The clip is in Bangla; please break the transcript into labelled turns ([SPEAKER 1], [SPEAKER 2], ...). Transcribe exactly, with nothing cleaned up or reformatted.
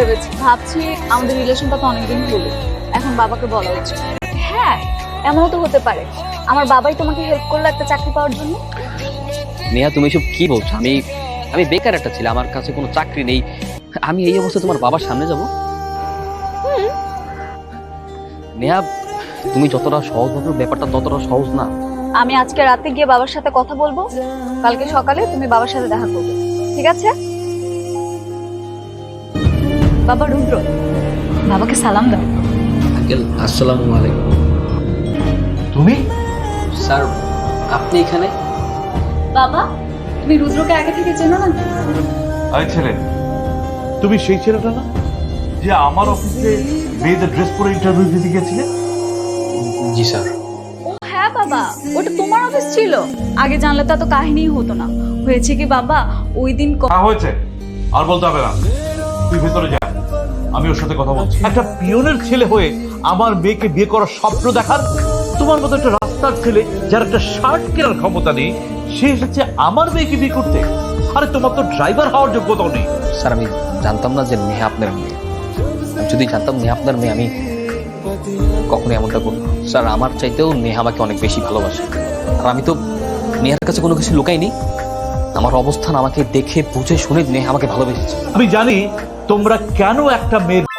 [SPEAKER 1] ভেবেছি, ভাবছি আমাদের রিলেশনটা তো অনেকদিন হলো, এখন বাবাকে বলা উচিত। হ্যাঁ, এমনও তো হতে পারে আমার বাবাই তোমাকে হেল্প করলো একটা চাকরি পাওয়ার জন্য।
[SPEAKER 2] নেহা তুমি এসব কি বলছো? আমি আমি বেকার একটা ছেলে, আমার কাছে কোনো চাকরি নেই, আমি এই অবস্থায় তোমার বাবার সামনে যাব? নেহা তুমি যতটা সহজ ভাবে ব্যাপারটা ততটা সহজ না।
[SPEAKER 1] আমি আজকে রাতে গিয়ে বাবার সাথে কথা বলবো, কালকে সকালে তুমি বাবার সাথে দেখা করবে, ঠিক আছে? বাবা রুদ্র, বাবাকে সালাম দাও।
[SPEAKER 2] আঙ্কেল আসসালামু আলাইকুম।
[SPEAKER 3] তুমি
[SPEAKER 2] স্যার আপনি এখানে?
[SPEAKER 1] বাবা, তুমি রুদ্রকে আগে থেকে চেনো না?
[SPEAKER 3] আরে ছেলে, তুমি সেই ছেলেটা না যে আমার অফিসে মেয়েদের ড্রেস পরে ইন্টারভিউ দিতে গেছিলে?
[SPEAKER 2] জি স্যার।
[SPEAKER 1] ও হ্যাঁ বাবা, ওটা তোমার অফিস ছিল। আগে জানলে তো এত কাহিনীই হতো না। হয়েছে কি বাবা, ওই দিন ক-
[SPEAKER 3] হ্যাঁ হয়েছে, আর বলতে হবে না। তুই ভেতরে যা, আমি ওর সাথে কথা বলছি। একটা পিয়নের ছেলে হয়ে আমার মেয়েকে বিয়ে করার স্বপ্ন দেখার তোমার মতো একটা রাস্তার ছেলে যার একটা শার্ট কেনার ক্ষমতা নেই, সে এসেছে আমার মেয়েকে বিয়ে করতে। আরে তোমার তো ড্রাইভার হওয়ার যোগ্যতাও নেই।
[SPEAKER 2] স্যার আমি জানতাম না যে নেহা আপনার মেয়ে। আমি যদি জানতাম নেহা আপনার মেয়ে, আমি কখনোই এমনটা করব না। স্যার আমার চাইতেও নেহা আমাকে অনেক বেশি ভালোবাসে, আর আমি তো নেহার কাছে কোনো কিছু লুকাইনি। আমার অবস্থান আমাকে দেখে বুঝে শুনে নেহা আমাকে ভালোবেসেছে।
[SPEAKER 3] আমি জানি তোমরা কেন একটা মেয়ের